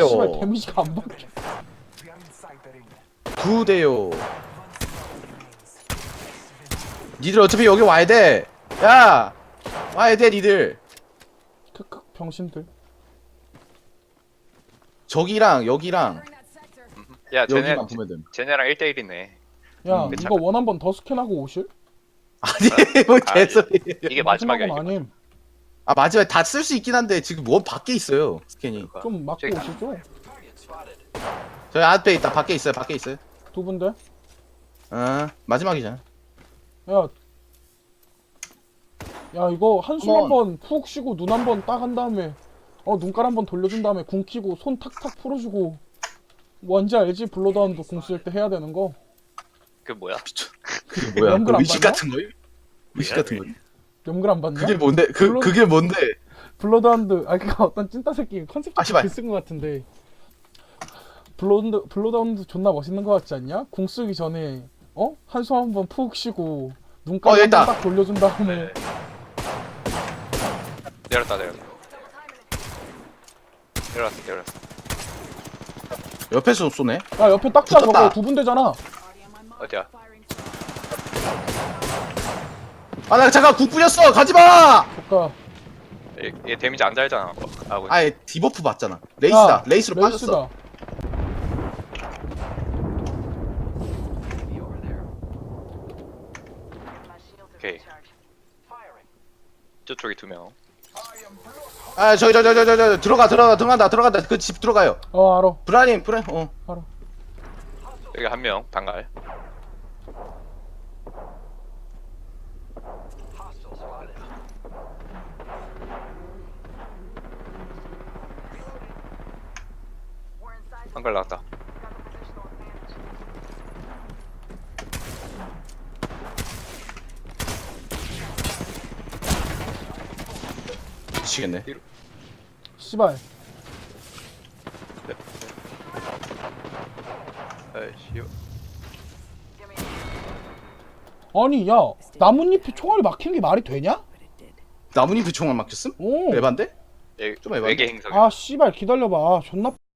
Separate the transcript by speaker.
Speaker 1: 대요.
Speaker 2: 씨발 데미지가 안 박혀.
Speaker 1: 2대요. 니들 어차피 여기 와야 돼. 야, 와야 돼 니들.
Speaker 2: 크크 병신들.
Speaker 1: 저기랑 여기랑
Speaker 3: 야 쟤네
Speaker 1: 여기만 보면 돼.
Speaker 3: 쟤네랑 1대1이네.
Speaker 2: 야
Speaker 3: 그
Speaker 2: 이거 원 한번 더 스캔하고 오실?
Speaker 1: 아니 뭐 개소리.
Speaker 3: 이게 마지막이야.
Speaker 2: 마지막은
Speaker 3: 이게.
Speaker 2: 아님.
Speaker 1: 아 마지막에 다 쓸 수 있긴 한데 지금 원 밖에 있어요 스캔이.
Speaker 2: 좀 맞고
Speaker 3: 저기-
Speaker 2: 오시죠.
Speaker 1: 저희 앞에 있다. 밖에 있어요. 밖에 있어요.
Speaker 2: 두 분들.
Speaker 1: 마지막이잖아.
Speaker 2: 야. 야 이거 한숨
Speaker 1: 한번-
Speaker 2: 한번 푹 쉬고 눈 한번 딱 한 다음에 눈깔 한번 돌려준 다음에 궁 키고 손 탁탁 풀어주고 뭔지 알지? 블러드하운드 궁 쓸 때 해야 되는 거.
Speaker 3: 그 뭐야?
Speaker 1: 그게 뭐야?
Speaker 2: 연글
Speaker 1: 그
Speaker 2: 안
Speaker 1: 의식
Speaker 2: 봤나?
Speaker 1: 같은 거요? 의식 같은 거.
Speaker 2: 연글 안 봤냐?
Speaker 1: 그게 뭔데?
Speaker 2: 물론-
Speaker 1: 그게 뭔데?
Speaker 2: 블러드하운드 그니까 어떤 찐따 새끼 컨셉
Speaker 1: 아, 씨발.
Speaker 2: 글쓴 거 같은데 블러드하운드 존나 멋있는 거 같지 않냐? 궁 쓰기 전에 한숨 한번 푹 쉬고 눈깔
Speaker 1: 여기
Speaker 2: 한번
Speaker 1: 있다.
Speaker 2: 딱 돌려준 다음에
Speaker 3: 내렸다. 내렸어.
Speaker 1: 옆에서 쏘네.
Speaker 2: 야 옆에 딱자
Speaker 1: 붙었다.
Speaker 2: 저거 두 분대잖아.
Speaker 3: 어디야?
Speaker 1: 아 나 잠깐 국 뿌렸어. 가지 마.
Speaker 2: 조카.
Speaker 3: 얘 데미지 안 달잖아. 아고.
Speaker 1: 아예 디버프 받잖아. 레이스다.
Speaker 2: 야,
Speaker 1: 레이스로 빠졌어.
Speaker 2: 레이스다.
Speaker 3: 오케이. 저쪽에 2명.
Speaker 1: 아 저기 들어간다. 그 집 들어가요.
Speaker 2: 알아.
Speaker 1: 브라님
Speaker 2: 알아.
Speaker 3: 여기 1명 단갈. 단갈 나왔다.
Speaker 1: 미치겠네.
Speaker 2: 씨발.
Speaker 3: 에이씨.
Speaker 2: 아니 야 나뭇잎에 총알이 막힌 게 말이 되냐?
Speaker 1: 나뭇잎에 총알 막혔음?
Speaker 2: 오.
Speaker 1: 에반데?
Speaker 3: 얘
Speaker 1: 좀 해봐.
Speaker 3: 외계 행성.
Speaker 2: 아 씨발 기다려봐. 존나